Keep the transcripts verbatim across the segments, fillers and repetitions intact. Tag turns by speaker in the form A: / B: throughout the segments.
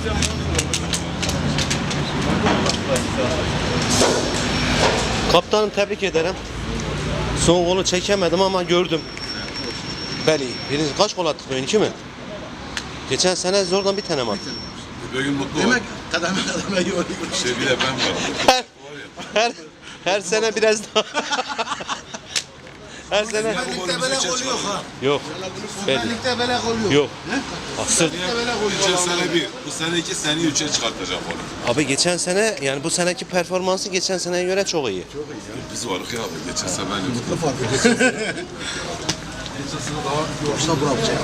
A: Kaptanım tebrik ederim. Son golü çekemedim ama gördüm. Beli. Birinci kaç gol attık bugün? İki mi? Geçen sene zordan bir tane mi attık?
B: Bugün mutlu ol.
C: Demek kademe kademe yoruyor.
B: Şey bir de ben varım.
A: Her, her, her sene biraz daha. Her sene.
C: Ligde böyle gol yok ha.
A: Yok. Beli.
C: Ligde böyle gol yok.
A: Yok. Asıl.
B: Geçen sene bir, bu sene iki, seneyi üçe çıkartacak onu.
A: Abi geçen sene yani bu seneki performansı geçen seneye göre çok iyi.
B: Biz varık ya abi. Geçen sene ben yoktum.
C: Ne fark ediyorsun? Geçen sene daha yoksa bırakacak.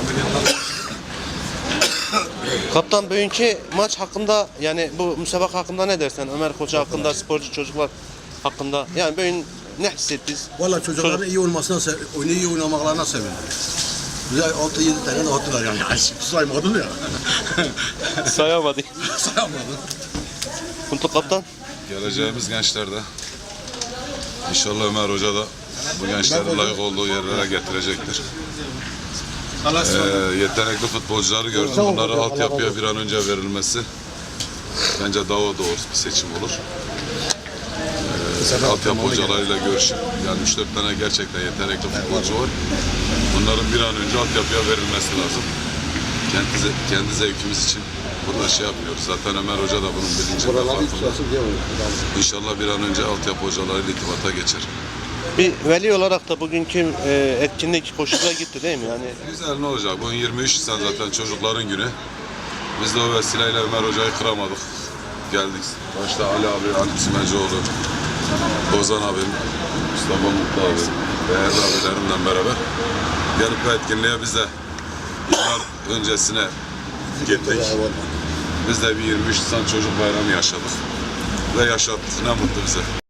A: Kaptan bugünkü maç hakkında yani bu müsabaka hakkında ne dersen Ömer Koca hakkında, sporcu çocuklar hakkında yani bugün ne hissettiniz?
C: Valla çocukların iyi olmasına, sev- oyunu iyi oynamaklarına sevindim. Bize altı yedi tane de attılar yani. Yani saymadın ya.
A: Sayamadık.
C: Sayamadın.
A: Kuntuk kaptan.
B: Geleceğimiz gençlerde. İnşallah Ömer Hoca da bu gençleri layık olduğu yerlere getirecektir. Ee, yetenekli futbolcuları gördüm. Bunlara altyapıya bir an önce verilmesi bence daha doğrusu bir seçim olur. Ee, altyapı hocalarıyla görüşüp yani üç dört tane gerçekten yetenekli futbolcu var. Bunların bir an önce altyapıya verilmesi lazım. Kendi, ze- kendi zevkimiz için burada şey yapıyoruz. Zaten Ömer Hoca da bunun bilincinde farkında. İnşallah bir an önce altyapı hocalarıyla irtibata geçer.
A: Bir veli olarak da bugünkü e, etkinlik hoşuna gitti değil mi? Yani
B: Güzel ne olacak? Bugün yirmi üç sen zaten çocukların günü. Biz de o vesileyle Ömer Hoca'yı kıramadık. Geldik. Başta Ali abi, Ali Simecioğlu, Ozan abim, Mustafa Mutlu abi, değerli abilerimle beraber gelip bu etkinliğe biz de yıllar öncesine gittik. Biz de bir yirmi üç Nisan çocuk bayramı yaşadık. Ve yaşattık. Ne mutlu bize.